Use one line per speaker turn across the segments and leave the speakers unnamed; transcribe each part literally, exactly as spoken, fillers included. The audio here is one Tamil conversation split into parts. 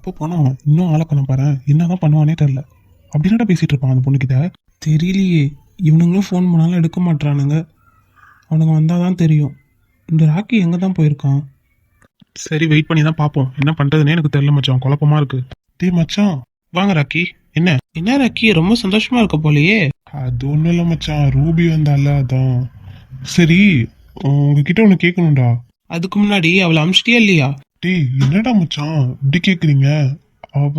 எப்போ போனோம் இன்னும் ஆளக்கணும் பாரு, என்னதான் பண்ணுவானே தெரில. அப்படின்னாடா பேசிட்டு இருப்பான் அந்த பொண்ணுக்கிட்ட. தெரியலையே, இவனுங்களும் ஃபோன் பண்ணாலும் எடுக்க மாட்டானுங்க. அவனுங்க வந்தால் தான் தெரியும். இந்த ராக்கி எங்கே தான் போயிருக்கான். சரி, வெயிட் பண்ணி தான் பார்ப்போம். என்ன பண்ணுறதுனே எனக்கு தெரியல மச்சான், குழப்பமா இருக்கு. டே மச்சான், வாங்க ராக்கி. என்ன என்ன ராக்கி, ரொம்ப சந்தோஷமா இருக்க போலையே. அது ஒன்றும் இல்லை மச்சான், ரூபி வந்தால அதான். சரி, உங்ககிட்ட ஒன்று கேட்கணும்டா. அதுக்கு முன்னாடி அவளை அமிச்சிட்டியா இல்லையா? டேய் என்னடா மச்சான் இப்படி கேட்குறீங்க? அவ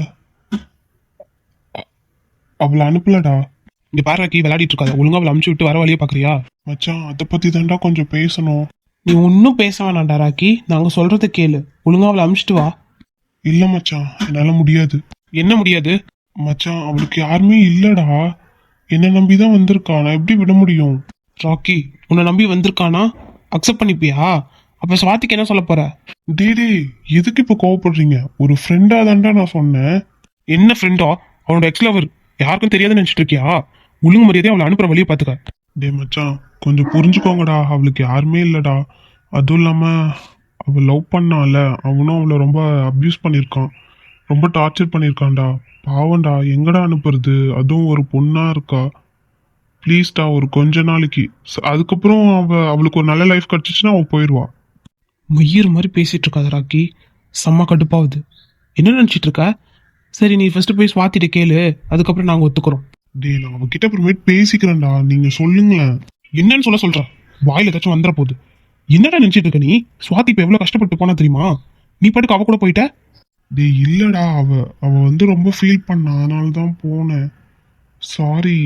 அவளை அனுப்பலடா. இங்க பாரு ராக்கி, விளையாடிட்டு இருக்காத. ஒழுங்கா அவளை அமுச்சு விட்டு வர வழியை பாக்குறியா? மச்சான் அதை பத்தி தான்டா கொஞ்சம் பேசணும். நீ ஒன்னும் பேச வேணாம்டா ராக்கி, நாங்க சொல்றதை கேளு. ஒழுங்கா அவளை அமுச்சிட்டு வா. இல்ல மச்சான், என்னால முடியாது. என்ன முடியாது? மச்சான் அவளுக்கு யாருமே இல்லடா. என்ன நம்பிதான் வந்திருக்கா, நான் எப்படி விட முடியும்? ராக்கி, உன்னை நம்பி வந்திருக்கானா? அக்செப்ட் பண்ணிப்பியா? அப்ப சுவாதிக்கு என்ன சொல்ல போற? டே டே எதுக்கு இப்ப கோவப்படுறீங்க? ஒரு ஃப்ரெண்டா தான்டா நான் சொன்னேன். என்ன ஃப்ரெண்டா? அவனோட எக்ஸ் லவர் யாருக்கும் தெரியாதுன்னு நினைச்சிட்டு இருக்கியா? ஒழுங்கு மரியாதையா அவளை அனுப்புற வழியை பாத்துக்க. டே மச்சான் கொஞ்சம் புரிஞ்சுக்கோங்கடா, அவளுக்கு யாருமே இல்லடா. அதுவும் இல்லாம அவள் லவ் பண்ணால, அவனும் அவளை ரொம்ப அப்யூஸ் பண்ணியிருக்கான், ரொம்ப டார்ச்சர் பண்ணியிருக்கான்டா. பாவம்டா, எங்கடா அனுப்புறது? அதுவும் ஒரு பொண்ணா இருக்கா. ப்ளீஸ்டா, ஒரு கொஞ்ச நாளைக்கு. அதுக்கப்புறம் அவ அவளுக்கு ஒரு நல்ல லைஃப் கிடைச்சிச்சுன்னா அவள் போயிடுவா. மயிர் மாதிரி பேசிட்டு இருக்காத ராக்கி, செம்ம கடுப்பாகுது. என்ன நினச்சிட்டு இருக்க? சரி, நீ ஃபர்ஸ்ட் போய் சுவாத்திட்டு கேளு, அதுக்கப்புறம் நாங்கள் ஒத்துக்கிறோம். டே நான் அவகிட்ட அப்புறமேட்டு பேசிக்கிறேன்டா, நீங்க சொல்லுங்களேன். என்னன்னு சொல்ல சொல்ற? வாயில ஏதாச்சும் வந்துட போகுது. என்னடா நினைச்சிட்டு இருக்க நீ? சுவாதி இப்ப எவ்வளவு கஷ்டப்பட்டு போனா தெரியுமா? நீ பாட்டுக்கு அவ கூட போயிட்ட. டே இல்லடா, அவ அவ வந்து ரொம்ப ஃபீல் பண்ணா, அதனால தான் போனேன். சாரி.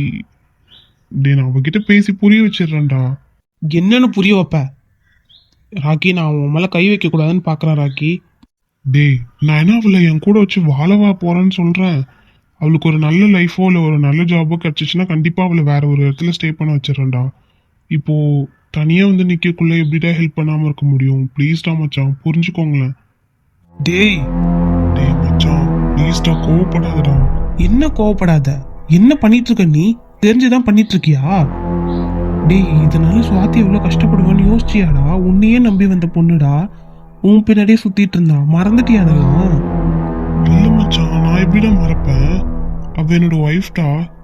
டே நான் அவகிட்ட பேசி புரிய வச்சிடுறேன்டா. என்னன்னு புரிய வைப்ப? ராக்கி, நான் உன் மேல கை வைக்க கூடாதுன்னு பாக்குறேன் ராக்கி. டே நான் என்ன அவளை என் கூட வச்சு வாழவா போறேன்னு சொல்றேன். அவளுக்கு ஒரு நல்ல லைஃபோ இல்லை ஒரு நல்ல ஜாபோ கிடைச்சிச்சுன்னா கண்டிப்பா அவளை வேற ஒரு இடத்துல ஸ்டே பண்ண வச்சிடறேன்டா. இப்போ தனியா வந்து நிக்கக்குள்ள எப்படிடா ஹெல்ப் பண்ணாம இருக்க முடியும்? ப்ளீஸ்டா மச்சான், புரிஞ்சுக்கோங்களேன். டேய் டேய் மச்சான் ப்ளீஸ்டா, கோவப்படாதடா. என்ன கோவப்படாத? என்ன பண்ணிட்டு இருக்க நீ? தெரிஞ்சுதான் பண்ணிட்டு இருக்கியா? டேய் இதனால சுவாதி எவ்வளவு கஷ்டப்படுவான்னு யோசிச்சியாடா? உன்னையே நம்பி வந்த பொண்ணுடா, உன் பின்னாடியே சுத்திட்டு இருந்தா, மறந்துட்டியா அதெல்லாம்? இல்ல மச்சான், நான் எப்படிடா மறப்பேன்? அவ என்னோட ஒய்ஃப்டா.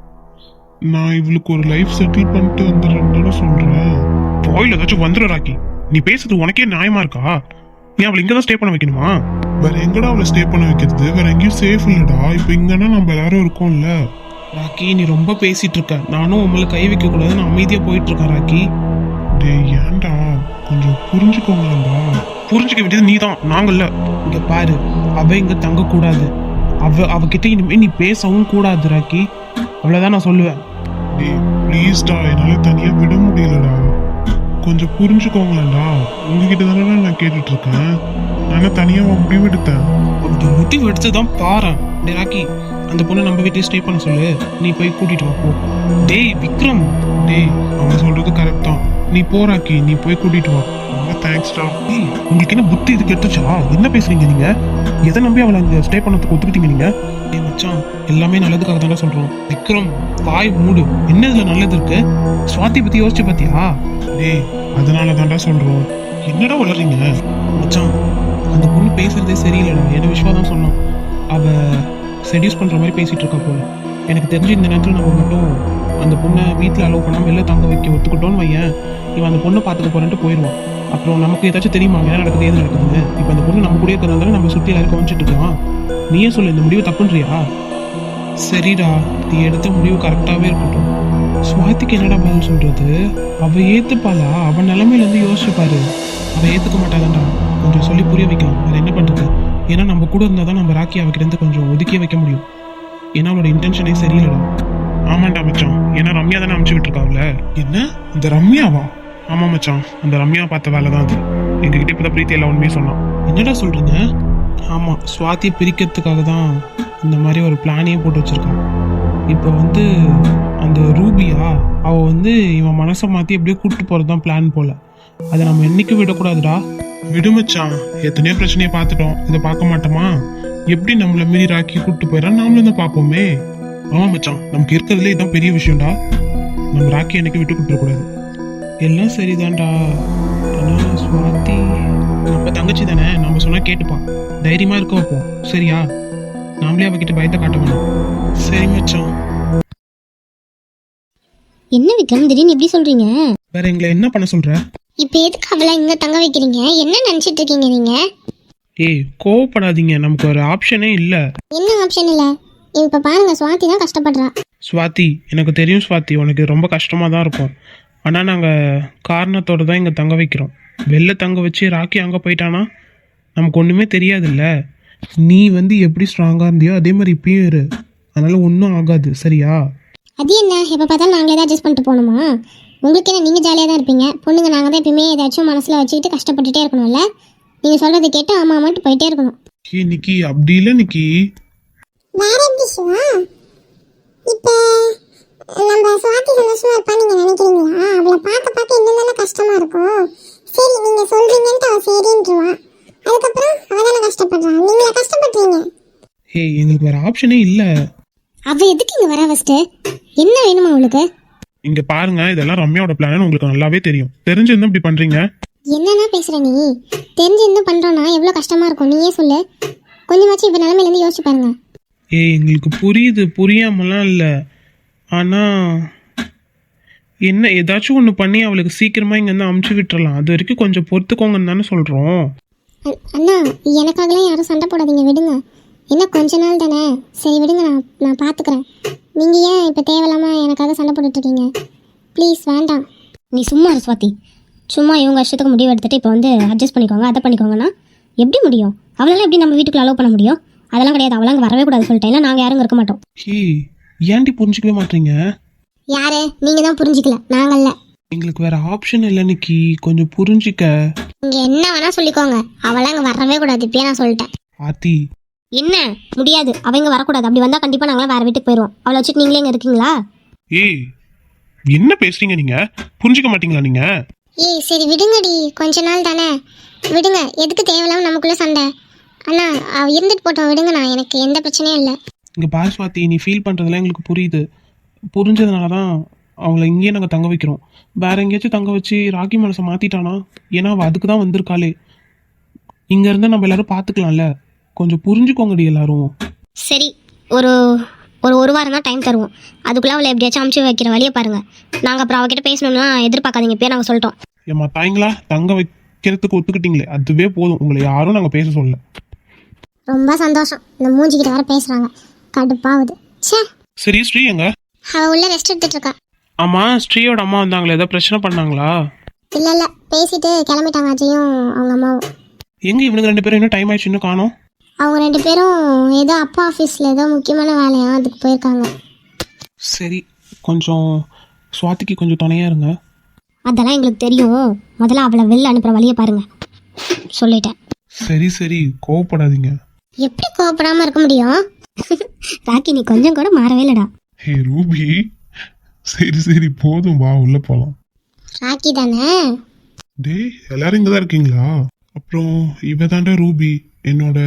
நான் இவளுக்கு ஒரு லைஃப் செட்டில் பண்ணிட்டு வந்துடுறேன்னு சொல்றேன். கோயில் ஏதாச்சும் வந்துடும் ராக்கி. நீ பேசுறது உனக்கே நியாயமா இருக்கா? நீ அவளை இங்கதான் ஸ்டே பண்ண வைக்கணுமா? வேற எங்கடா அவளை ஸ்டே பண்ண வைக்கிறது? வேற எங்கேயும் சேஃப் இல்லடா. இப்ப இங்கன்னா நம்ம எல்லாரும் இருக்கோம்ல. ராக்கி நீ ரொம்ப பேசிட்டு இருக்க. நானும் உங்களை கை வைக்க கூடாதுன்னு அமைதியா போயிட்டு இருக்கேன் ராக்கி. டேய் ஏன்டா, கொஞ்சம் புரிஞ்சுக்கோங்களா? புரிஞ்சுக்க வேண்டியது நீ தான், நாங்கள்ல. இங்க பாரு, அவ இங்க தங்க கூடாது. அவ அவகிட்ட இனிமே நீ பேசவும் கூடாது ராக்கி. அவ்வளவுதான் நான் சொல்லுவேன். டேய் ப்ளீஸ்டா, என்னால தனியா விட முடியலடா, கொஞ்சம் புரிஞ்சுக்கோங்களேன்டா. உங்ககிட்ட தானே நான் கேட்டுட்டு இருக்கேன். நான் தனியா முடிவு எடுத்தேன். அப்படி முடிவு எடுத்துதான் பாரு. டே ராக்கி, அந்த பொண்ணை நம்ம வீட்டையே ஸ்டே பண்ண சொல்லு. நீ போய் கூட்டிட்டு வா போ. டேய் விக்ரம், டேய் அவன் சொல்றது கரெக்ட் தான். நீ போ ராக்கி, நீ போய் கூட்டிட்டு வா. ரொம்ப தேங்க்ஸ்டா. டேய் உங்களுக்கு என்ன புத்தி இது கெட்டுச்சா? என்ன பேசுறீங்க நீங்க? எதை நம்பி அவளை இங்க ஸ்டே பண்ணதுக்கு ஒத்துக்கிட்டீங்க நீங்க? டேய் மச்சான், எல்லாமே நல்லதுக்காக தானே சொல்றோம். விக்ரம் வாய் மூடு. என்ன இதுல நல்லது இருக்கு? சுவாதி பத்தி யோசிச்சு பாத்தியா? டேய் அதனால தான்டா சொல்றோம். என்னடா வளர்றீங்க மச்சான்? அந்த பொண்ணு பேசுறதே சரியில்லைடா. என்ன விஷயம் தான் சொன்னான். அவ செடியூஸ் பண்ற மாதிரி பேசிட்டு இருக்கா போல. எனக்கு தெரிஞ்சு இந்த நேரத்தில் நம்ம மட்டும் அந்த பொண்ணை வீட்டில் அலோவ் பண்ணாமல் வெளில தங்க வைக்க ஒத்துக்கிட்டோன்னு வையன், இவன் அந்த பொண்ணை பார்த்துக்க போறேன்ட்டு போயிடுவான். அப்புறம் நமக்கு ஏதாச்சும் தெரியுமா என்ன நடக்குது ஏது நடக்குதுன்னு? இப்போ அந்த பொண்ணு நம்ம கூட இருக்கிறதால நம்ம சுற்றி எல்லாரும் கவனிச்சிட்டு இருக்கலாம். நீயே சொல்லு, இந்த முடிவு தப்புன்றியா? சரிடா, நீ எடுத்த முடிவு கரெக்டாகவே இருக்கட்டும். சுவாதிக்கு என்னடா பதில் சொல்றது? அவ ஏத்துப்பாளா? அவன் நிலைமையிலேருந்து யோசிச்சு பாரு. அவள் ஏற்றுக்க மாட்டாதான்டா. கொஞ்சம் சொல்லி புரிய வைக்கலாம். வேறு என்ன பண்ணுறது? ஏன்னா நம்ம கூட இருந்தால் தான் நம்ம ராக்கி அவகிட்ட கொஞ்சம் ஒதுக்கியே வைக்க முடியும். ஏன்னா அவளோட இன்டென்ஷனே சரியில்லடா. ஆமாண்டா மச்சான், ஏன்னா ரம்யா தானே அமுச்சு விட்டுருக்காவுல. என்ன இந்த ரம்யாவா? ஆமா மச்சான், அந்த ரம்யா பார்த்த வேலை தான் அது. எங்ககிட்ட இப்போ தான் பிரீத்தி எல்லாம் உண்மையே சொன்னான். என்னடா சொல்றீங்க? ஆமா, சுவாதியை பிரிக்கிறதுக்காக தான் இந்த மாதிரி ஒரு பிளானையே போட்டு வச்சிருக்கான். இப்போ வந்து அந்த ரூபியா, அவள் வந்து இவன் மனசை மாற்றி எப்படியோ கூப்பிட்டு போகிறது தான் பிளான் போல. அதை நம்ம என்னைக்கும் விடக்கூடாதுடா. விடுமச்சான், எத்தனையோ பிரச்சனையை பார்த்துட்டோம், இதை பார்க்க மாட்டோமா? எப்படி நம்மளை மீறி ராக்கி கூப்பிட்டு போயிடறான், நாமளும் தான் பார்ப்போமே. ஆமா மச்சான், நமக்கு இருக்கிறதுலே இதுதான் பெரிய விஷயம்டா. நம்ம ராக்கி என்னைக்கு விட்டு கொடுத்துடக்கூடாது. எல்லாம் சரிதான்டா. ஆனால் சுவாதி நம்ம தங்கச்சி தானே, நம்ம சொன்னா கேட்டுப்பா. தைரியமா இருக்க வைப்போம், சரியா? நாமளே அவகிட்ட பயத்தை காட்ட வேணாம். சரி மச்சான்.
என்ன விக்ரம் திடீர்னு இப்படி சொல்றீங்க?
வேற எங்களை என்ன பண்ண சொல்ற?
இப்போ எதுக்கு அவளை இங்க தங்க வைக்கிறீங்க? என்ன நினைச்சிட்டு இருக்கீங்க நீங்க?
ஏய் கோவப்படாதீங்க, நமக்கு ஒரு ஆப்ஷனே இல்ல.
என்ன ஆப்ஷன் இல்ல? இப்ப பாருங்க, சுவாதி தான் கஷ்டப்படுறா.
ஸ்வாதி, எனக்கு தெரியும் ஸ்வாதி, உனக்கு ரொம்ப கஷ்டமா தான் இருக்கும். ஆனா நாங்க காரணத்தோட தான் இங்க தங்க வைக்கிறோம். வெளில தங்க வச்சு ராக்கி அங்க போயிட்டானா நமக்கு ஒண்ணுமே தெரியாதுல்ல. நீ வந்து எப்படி ஸ்ட்ராங்கா இருந்தியோ அதே மாதிரி இப்பயும் இரு. அதனால ஒன்றும் ஆகாது, சரியா?
அது என்ன, எப்ப பார்த்தாலும் நாங்களே தான் அட்ஜஸ்ட் பண்ணிட்டு போகணுமா? உங்களுக்கு என்ன, நீங்க ஜாலியா தான் இருப்பீங்க. பொண்ணுங்க நாங்க தான் எப்பயுமே ஏதாச்சும் மனசுல வச்சுக்கிட்டு கஷ்டப்பட்டுட்டே இருக்கணும்ல. நீங்க சொல்றதை கேட்டு ஆமா ஆமாட்டு போயிட்டே இருக்கணும்.
ஏ நிக்கி, அப்படி இல்லை நிக்கி.
வேற எப்படி சிவா? இப்போ நம்ம சுவாதி சந்தோஷமா இருப்பா நீங்க நினைக்கிறீங்களா? அவளை பார்க்க பார்க்க இன்னும் கஷ்டமா இருக்கும். சரி நீங்க சொல்றீங்கன்ட்டு அவ சரின்றுவா. அதுக்கப்புறம் அவ தானே கஷ்டப்படுறா, நீங்களா கஷ்டப்படுறீங்க.
ஹே, எங்களுக்கு வேற ஆப்ஷனே இல்ல.
அவ எதுக்கு இங்க வரா? ஃபர்ஸ்ட் என்ன வேணுமா அவளுக்கு?
இங்க பாருங்க, இதெல்லாம் ரம்யாவோட பிளான் உங்களுக்கு நல்லாவே தெரியும். தெரிஞ்சிருந்தா இப்படி பண்றீங்க.
என்னன்னா பேசுற நீ? தெரிஞ்சு இன்னும் பண்றோம்னா எவ்வளவு கஷ்டமா இருக்கும் நீயே சொல்லு. கொஞ்சமாச்சும் இப்ப நிலைமையில இருந்து யோசிச்சு பாருங்க.
ஏய் எங்களுக்கு புரியுது, புரியாமலாம் இல்லை. ஆனா என்ன, ஏதாச்சும் ஒன்று பண்ணி அவளுக்கு சீக்கிரமா இங்கேருந்து அமுச்சு விட்டுறலாம். அது வரைக்கும் கொஞ்சம் பொறுத்துக்கோங்கன்னு தானே சொல்கிறோம்.
அண்ணா எனக்காகலாம் யாரும் சண்டை போடாதீங்க, விடுங்க. என்ன கொஞ்ச நாள் தானே, சரி விடுங்க, நான் நான் பார்த்துக்கிறேன். நீங்கள் ஏன் இப்போ தேவையில்லாமல் எனக்காக சண்டை போட்டுட்ருக்கீங்க? ப்ளீஸ் வேண்டாம். நீ சும்மா இரு சுவாதி. சும்மா இவங்க வருஷத்துக்கு முடிவு எடுத்துகிட்டு இப்போ வந்து அட்ஜஸ்ட் பண்ணிக்கோங்க அதை பண்ணிக்கோங்கன்னா எப்படி முடியும்? அவளால எப்படி நம்ம வீட்டுக்குள்ள அலோவ் பண்ண முடியும்? அதெல்லாம் கிடையாது, அவளாங்க வரவே கூடாது சொல்லிட்டேன். இல்லை நாங்கள் யாரும் இருக்க மாட்டோம்.
ஹே, ஏன்டி புரிஞ்சிக்கவே மாட்டீங்க?
யாரு? நீங்கள் தான் புரிஞ்சிக்கல, நாங்கள்ல.
எங்களுக்கு வேற ஆப்ஷன் இல்லை நிக்கி, கொஞ்சம் புரிஞ்சிக்க.
நீங்கள் என்ன வேணா சொல்லிக்கோங்க, அவளாம் அங்கே வரவே கூடாது, இப்பயே நான் சொல்லிட்டேன்.
ஆத்தி
என்ன முடியாது, அவங்க வரக்கூடாது. அப்படி வந்தால் கண்டிப்பாக நாங்களாம் வேறு வீட்டுக்கு போயிடுவோம். அவளை வச்சுட்டு நீங்களே இங்கே இருக்கீங்களா?
ஏய் என்ன பேசுறீங்க நீங்க? புரிஞ்சுக்க மாட்டீங்களா நீங்க?
ஏய் சரி விடுங்கடி, கொஞ்ச நாள் தானே விடுங்க. எதுக்கு தேவையில்லாம நமக்குள்ள சண்டை? அண்ணா அவ இருந்துட்டு போட்டோம், விடுங்கண்ணா, எனக்கு எந்த பிரச்சனையும் இல்லை.
இங்க பாரு ஸ்வாதி, நீ ஃபீல் பண்றதெல்லாம் எங்களுக்கு புரியுது. புரிஞ்சதுனால தான் அவங்கள இங்கேயே நாங்கள் தங்க வைக்கிறோம். வேற எங்கேயாச்சும் தங்க வச்சு ராக்கி மனசை மாத்திட்டானா? ஏன்னா அவள் அதுக்கு தான் வந்திருக்காளே. இங்க இருந்தா நம்ம எல்லாரும் பார்த்துக்கலாம்ல. கொஞ்சம் புரிஞ்சுக்கோங்கடி எல்லாரும்.
சரி, ஒரு ஒரு ஒரு வாரம் தான் டைம் தருவோம். அதுக்குள்ளே அவளை எப்படியாச்சும் அமுச்சு வைக்கிற வழியை பாருங்க. நாங்கள் அப்புறம் அவகிட்ட பேசணும்னா எதிர்பார்க்காதீங்க, பேர் நாங்கள் சொல்லிட்டோம்.
ஏம்மா தாய்ங்களா, தங்க வைக்கிறதுக்கு ஒத்துக்கிட்டீங்களே, அதுவே போதும். உங்களை யாரும் நாங்கள் பேச சொல்லல.
ரொம்ப சந்தோஷம். இந்த மூஞ்சிக்கிட்ட வர பேசுறாங்க, கடுப்பாகுது. சே.
சரி ஸ்ரீ எங்க?
அவ உள்ள ரெஸ்ட் எடுத்துட்டு இருக்கா.
ஆமா, ஸ்ரீயோட அம்மா வந்தாங்களே, ஏதாவது பிரச்சனை பண்ணாங்களா?
இல்ல இல்ல, பேசிட்டு கிளம்பிட்டாங்க அஜயும் அவங்க அம்மாவும்.
எங்க இவனுக்கு ரெண்டு பேரும் இன்னும் டைம் ஆயிடுச்சு இன்னும் காணோம்?
அவங்க ரெண்டு பேரும் ஏதோ அப்பா ஆஃபீஸில் ஏதோ முக்கியமான வேலையா அதுக்கு போயிருக்காங்க.
சரி, கொஞ்சம் சுவாதிக்கு கொஞ்சம் துணையா இருங்க.
அதெல்லாம் எங்களுக்கு தெரியும். முதல்ல அவளை வெளில அனுப்புற வழியை பாருங்க, சொல்லிட்டேன்.
சரி சரி, கோவப்படாதீங்க.
எப்படி கோவப்படாம இருக்க முடியும்? ராக்கி நீ கொஞ்சம் கூட மாறவே இல்லடா.
ஹே ரூபி, சரி சரி போதும், வா உள்ள போலாம்.
ராக்கி தானே?
டேய் எல்லாரும் இங்க தான் இருக்கீங்களா? அப்புறம் இவ தாண்டா ரூபி, என்னோட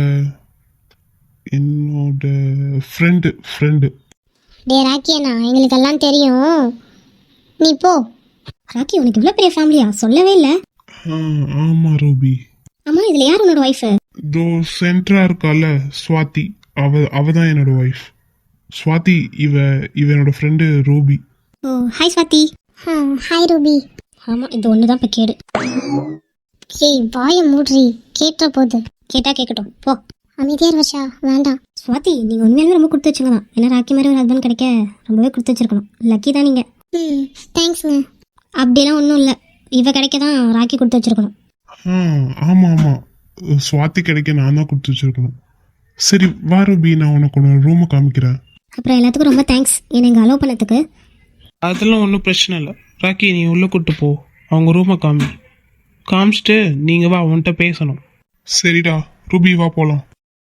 என்னோட ஃப்ரெண்டு ஃப்ரெண்டு
டே ராக்கி அண்ணா, எங்களுக்கு எல்லாம் தெரியும், நீ போ. ராக்கி உனக்கு இவ்வளோ பெரிய ஃபேமிலியா? சொல்லவே இல்லை.
ஆமா ரூபி.
ஆமா, இதுல யார் உன்னோட ஒய்ஃபு?
தோ சென்ட்ரா இருக்கால ஸ்வாதி, அவ அவ தான் என்னோட ஒய்ஃப். ஸ்வாதி இவ இவ என்னோட friend Ruby.
Oh hi Swathi. Hi Ruby. ஆமா, இது ஒன்று தான் இப்போ கேடு. ஏய் வாயை மூட்ரி, கேட்ட போகுது. கேட்டா கேட்கட்டும் போ. அமைதியார் வர்ஷா, வேண்டாம். ஸ்வாதி நீங்கள் உண்மையாலுமே ரொம்ப கொடுத்து வச்சுக்கலாம். ஏன்னா ராக்கி மாதிரி ஒரு ஹஸ்பண்ட் கிடைக்க ரொம்பவே கொடுத்து வச்சிருக்கணும். லக்கி தான் நீங்கள். ம் தேங்க்ஸுங்க. அப்படிலாம் ஒன்றும் இல்லை, இவ கிடைக்க தான் ராக்கி கொடுத்து வச்சிருக்கணும்.
ஆ ஆமாம் ஆமாம், ஸ்வாதி கிடைக்க நான் தான் கொடுத்து வச்சிருக்கணும். சரி வா ரூபி, நான் உனக்கு ஒரு ரூமை காமிக்கிறேன்.
அப்புறம் எல்லாத்துக்கும் ரொம்ப தேங்க்ஸ் என்னை இங்கே அலோவ் பண்ணதுக்கு.
அதெல்லாம் ஒன்றும் பிரச்சனை இல்லை. ராக்கி நீ உள்ளே கூட்டு போ, அவங்க ரூமை காமி. காமிச்சிட்டு நீங்கள் வா, அவன்கிட்ட பேசணும். சரிடா ரூபி, வா போகலாம்.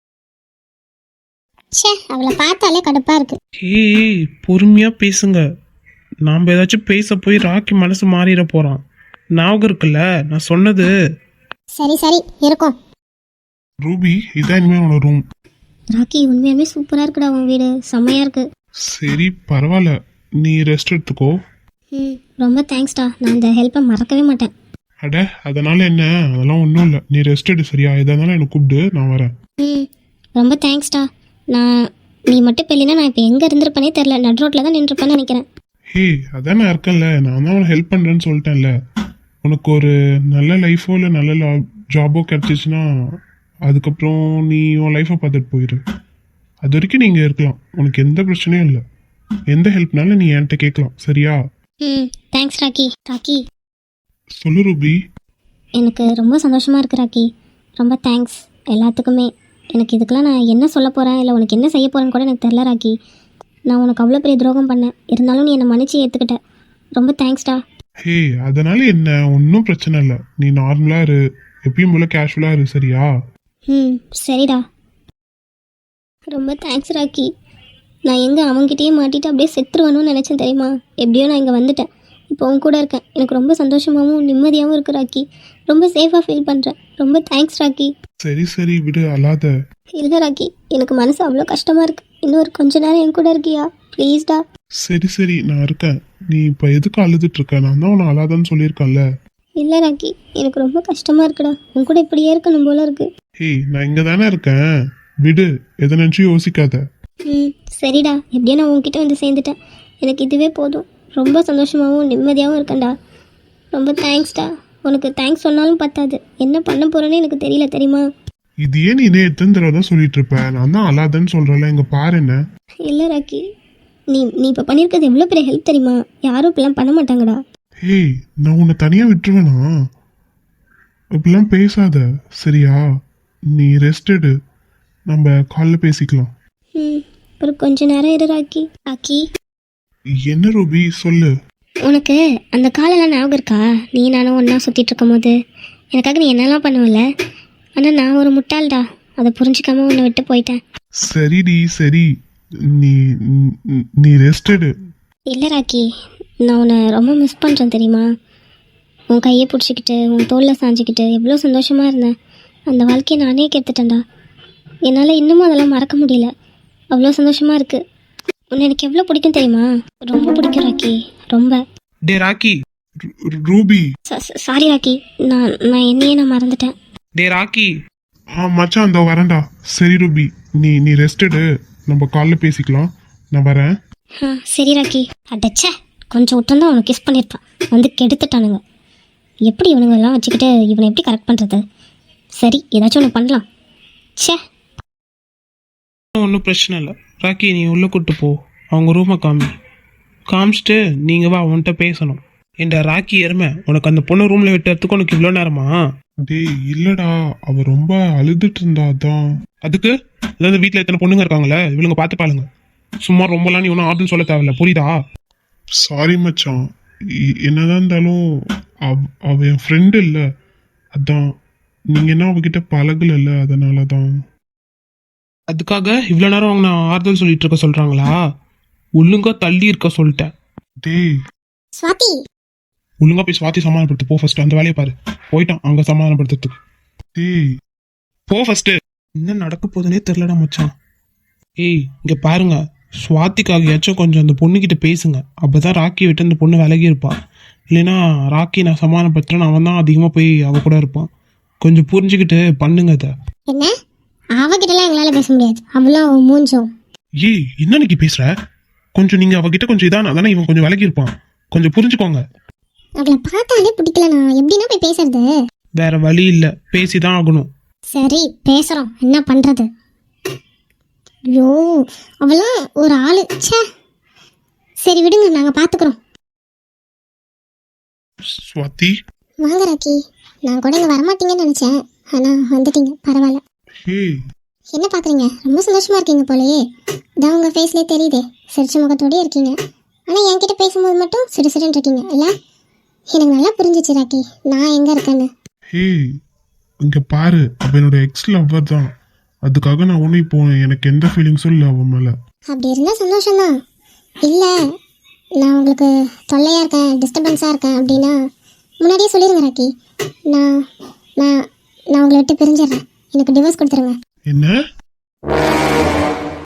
சே, அவளை பார்த்தாலே கடுப்பாக இருக்கு.
ஏய் பொறுமையாக பேசுங்க. நாம் ஏதாச்சும் பேச போய் ராக்கி மனசு மாறிட போகிறான். ஞாபகம் இருக்குல்ல நான் சொன்னது?
சரி சரி இருக்கும்.
ரூபி இதான் இனிமேல் உன்னோட ரூம்.
ராக்கி உண்மையாலுமே சூப்பராக இருக்குடா உன் வீடு, செம்மையாக இருக்கு.
சரி பரவாயில்ல, நீ ரெஸ்ட் எடுத்துக்கோ.
ம் ரொம்ப தேங்க்ஸ்டா, நான் இந்த ஹெல்ப்பை மறக்கவே மாட்டேன்.
அட அதனால என்ன, அதெல்லாம் ஒன்றும் இல்லை. நீ ரெஸ்ட் எடு சரியா? எதா இருந்தாலும் எனக்கு கூப்பிடு, நான் வரேன்.
ம் ரொம்ப தேங்க்ஸ்டா. நான் நீ மட்டும் இப்போ இல்லைன்னா நான் இப்போ எங்கே இருந்திருப்பேனே தெரில. நட் ரோட்டில் தான் நின்றுருப்பேன்னு நினைக்கிறேன்.
ஹே அதான் நான் இருக்கேன்ல, நான் தான் உனக்கு ஹெல்ப் பண்ணுறேன்னு சொல்லிட்டேன்ல. உனக்கு ஒரு நல்ல லைஃபோ இல்லை நல்ல ஜாபோ கிடச்சிச்சின்னா அதுக்கப்புறம் நீ உன் லைஃப்பை பார்த்துட்டு போயிடு. அது வரைக்கும் நீங்கள் இருக்கலாம், உனக்கு எந்த பிரச்சனையும் இல்லை. எந்த ஹெல்ப்னாலும் நீ என்கிட்ட கேட்கலாம் சரியா?
ம் தேங்க்ஸ் ராக்கி. ராக்கி
சொல்லு ரூபி.
எனக்கு ரொம்ப சந்தோஷமாக இருக்கு ராக்கி. ரொம்ப தேங்க்ஸ் எல்லாத்துக்குமே. எனக்கு இதுக்கெல்லாம் நான் என்ன சொல்ல போகிறேன் இல்லை உனக்கு என்ன செய்ய போகிறேன்னு கூட எனக்கு தெரில ராக்கி. நான் உனக்கு அவ்வளோ பெரிய துரோகம் பண்ணேன், இருந்தாலும் நீ என்னை மன்னிச்சு ஏற்றுக்கிட்ட. ரொம்ப தேங்க்ஸ்டா.
ஹே அதனால என்ன, ஒன்றும் பிரச்சனை இல்லை. நீ நார்மலாக இரு, எப்பயும் போல கேஷுவலாக இரு சரியா?
ம் சரிடா. ரொம்ப தேங்க்ஸ் ராக்கி. நான் எங்கே அவங்ககிட்டயே மாட்டிட்டு அப்படியே செத்துருவானுன்னு நினச்சேன் தெரியுமா? எப்படியோ நான் இங்கே வந்துட்டேன், இப்போ உன் கூட இருக்கேன். எனக்கு ரொம்ப சந்தோஷமாகவும் நிம்மதியாகவும் இருக்கு ராக்கி. ரொம்ப சேஃபாக ஃபீல் பண்ணுறேன். ரொம்ப தேங்க்ஸ் ராக்கி.
சரி சரி விடு, அழாத.
இல்லை ராக்கி, எனக்கு மனசு அவ்வளோ கஷ்டமாக இருக்குது. இன்னொரு கொஞ்ச நேரம் என் கூட இருக்கியா ப்ளீஸ்டா?
சரி சரி நான் இருக்கேன். நீ இப்போ எதுக்கு அழுதுட்டு இருக்க? நான் தான் உன்னை அழாதன்னு சொல்லியிருக்கேன்ல.
இல்லை ராக்கி, எனக்கு ரொம்ப கஷ்டமாக இருக்குடா. உன் கூட இப்படியே இருக்கணும் போல இருக்கு.
ஹே நான் இங்கே தானே இருக்கேன், விடு, எதை நினச்சும் யோசிக்காத.
ம் சரிடா, எப்படியோ நான் உன்கிட்ட வந்து சேர்ந்துட்டேன். எனக்கு இதுவே போதும். ரொம்ப சந்தோஷமாகவும் நிம்மதியாகவும் இருக்கேன்டா. ரொம்ப தேங்க்ஸ்டா. உனக்கு தேங்க்ஸ் சொன்னாலும் பத்தாது, என்ன பண்ண போகிறேன்னு எனக்கு தெரியல தெரியுமா?
இது ஏன் நீ இதே எத்தனை தடவை தான் சொல்லிட்டு இருப்ப? நான் தான் அழாதன்னு சொல்கிறேன்ல, இங்கே பாரு என்ன.
இல்லை ராக்கி, நீ நீ இப்போ பண்ணியிருக்கிறது எவ்வளோ பெரிய ஹெல்ப் தெரியுமா? யாரும் இப்படிலாம் பண்ண மாட்டாங்கடா.
ஹே நான் உன்னை தனியாக விட்டுருவேனா? இப்படிலாம் பேசாத சரியா? நீ ரெஸ்ட் எடு, நம்ம காலில் பேசிக்கலாம்.
ம் ஒரு கொஞ்ச நேரம் இரு ராக்கி. ராக்கி
என்ன ரூபி சொல்லு.
உனக்கு அந்த காலெல்லாம் ஞாபகம் இருக்கா? நீ நானும் ஒன்றா சுற்றிட்டு இருக்கும் போது எனக்காக நீ என்னெல்லாம் பண்ணுவல. ஆனால் நான் ஒரு முட்டாள்டா, அதை புரிஞ்சிக்காம உன்னை விட்டு போயிட்டேன்.
சரிடி சரி, நீ நீ ரெஸ்ட் எடு.
இல்லை ராக்கி, நான் உன்னை ரொம்ப மிஸ் பண்ணுறேன் தெரியுமா? உன் கையை பிடிச்சிக்கிட்டு உன் தோளில் சாஞ்சிக்கிட்டு எவ்வளோ சந்தோஷமாக இருந்தேன். அந்த வாழ்க்கையை நானே கெடுத்துட்டேன்டா. என்னால் இன்னமும் அதெல்லாம் மறக்க முடியல. அவ்வளோ சந்தோஷமாக இருக்குது. உன்னை எனக்கு எவ்வளோ பிடிக்கும் தெரியுமா? ரொம்ப பிடிக்கும் ராக்கி, ரொம்ப.
டே ராக்கி. ரூபி.
சாரி ராக்கி, நான் நான் என்னையே நான் மறந்துட்டேன்.
டே ராக்கி. ஆ மச்சான் அந்த வரேன்டா. சரி ரூபி, நீ நீ ரெஸ்ட் எடு, நம்ம காலில் பேசிக்கலாம், நான் வரேன்.
ஆ சரி ராக்கி. அடச்சே, கொஞ்சம் விட்டுருந்தா அவனை கிஸ் பண்ணியிருப்பான், வந்து கெடுத்துட்டானுங்க. எப்படி இவனுங்கெல்லாம் வச்சுக்கிட்டு இவனை எப்படி கரெக்ட் பண்ணுறது? சரி ஏதாச்சும் ஒன்று பண்ணலாம். ச்சே.
ஒன்றும் பிரச்சனை இல்லை ராக்கி, நீ உள்ளே கூட்டு போ, அவங்க ரூமை காமி. காமிச்சிட்டு நீங்கள் வா, அவன்கிட்ட பேசணும். ஏண்டா ராக்கி எருமை, உனக்கு அந்த பொண்ணு ரூமில் விட்டுறதுக்கு உனக்கு இவ்வளோ நேரமா? டேய் இல்லைடா, அவள் ரொம்ப அழுதுட்டு இருந்தா தான். அதுக்கு அதாவது வீட்டில் எத்தனை பொண்ணுங்க இருக்காங்களே, இவளுங்க பார்த்து பாருங்க. சும்மா ரொம்பலாம் நீ ஒன்றும் ஆறுதல் சொல்ல தேவையில்ல, புரியுதா? சாரி மச்சான், என்னதான் இருந்தாலும் அவ அவ என் ஃப்ரெண்டு இல்லை, அதான். நீங்கள் என்ன அவகிட்ட பழகல, அதனால தான். அதுக்காக இவ்வளோ நேரம் அவங்க நான் ஆறுதல் சொல்லிட்டு இருக்க சொல்கிறாங்களா? ஒழுங்கா தள்ளி இருக்க சொல்லிட்டேன். டேய்
ஸ்வாதி,
ஒழுங்கா போய் ஸ்வாதி சமாதானப்படுத்து போ. ஃபர்ஸ்ட் அந்த வேலையை பாரு. போயிட்டான் அங்கே சமாதானப்படுத்துறதுக்கு. டேய் போ ஃபர்ஸ்ட். என்ன நடக்க போதுன்னே தெரிலடா மச்சான். ஏய் இங்கே பாருங்க, ஸ்வாதிக்காகியாச்சும் கொஞ்சம் அந்த பொண்ணுக்கிட்ட பேசுங்க, அப்போதான் ராக்கி விட்டு அந்த பொண்ணு விலகி இருப்பா. இல்லைன்னா ராக்கி நான் சமாதானப்படுத்துறேன், அவன் தான் அதிகமாக போய் அவ கூட இருப்பான். கொஞ்சம் புரிஞ்சுக்கிட்டு பண்ணுங்க அதை.
என்ன அவகிட்டலாம் எங்களால் பேச முடியாது, அவ்வளோ மூஞ்சோம்.
ஏய் என்ன நீ பேசுற? கொஞ்சம் நீங்க அவகிட்ட கொஞ்சம் இதான தானே இவன் கொஞ்சம் விலகி இருப்பான், கொஞ்சம் புரிஞ்சுக்கோங்க.
அவளை பார்த்தாலே பிடிக்கல, நான் எப்படின்னா போய் பேசுறது?
வேற வழி இல்லை, பேசிதான் ஆகணும்.
சரி பேசுகிறோம், என்ன பண்ணுறது? ஐயோ அவளாம் ஒரு ஆளு. ச்சே. சரி விடுங்க, நாங்கள் பார்த்துக்குறோம்.
ஸ்வாதி
வாங்க ராக்கி. நான் கூட இங்கே வரமாட்டீங்கன்னு நினச்சேன், ஆனால் வந்துட்டீங்க, பரவாயில்ல.
ஹே
என்ன பார்க்குறீங்க? ரொம்ப சந்தோஷமாக இருக்கீங்க போலயே. இதான் உங்கள் ஃபேஸ்லேயே தெரியுது, சிரிச்ச முகத்தோடயே இருக்கீங்க. ஆனால் என்கிட்ட பேசும்போது மட்டும் சிறு சிறுன்னு இருக்கீங்க இல்லை? எனக்கு நல்லா புரிஞ்சிச்சு ராக்கி நான் எங்கே இருக்கேன்னு.
ஹே இங்க பாரு, அவ என்னோட எக்ஸ் லவ்வர் தான், அதுக்காக நான் ஒன்றும் இப்போ எனக்கு எந்த ஃபீலிங்ஸும் இல்லை அவன் மேலே.
அப்படி இருந்தால் சந்தோஷம்தான். இல்லை நான் உங்களுக்கு தொல்லையாக இருக்கேன், டிஸ்டர்பன்ஸாக இருக்கேன் அப்படின்னா முன்னாடியே சொல்லிடுங்க ராக்கி. நான் நான் நான் உங்களை விட்டு பிரிஞ்சிடுறேன், எனக்கு டிவோர்ஸ் கொடுத்துருங்க.
என்ன?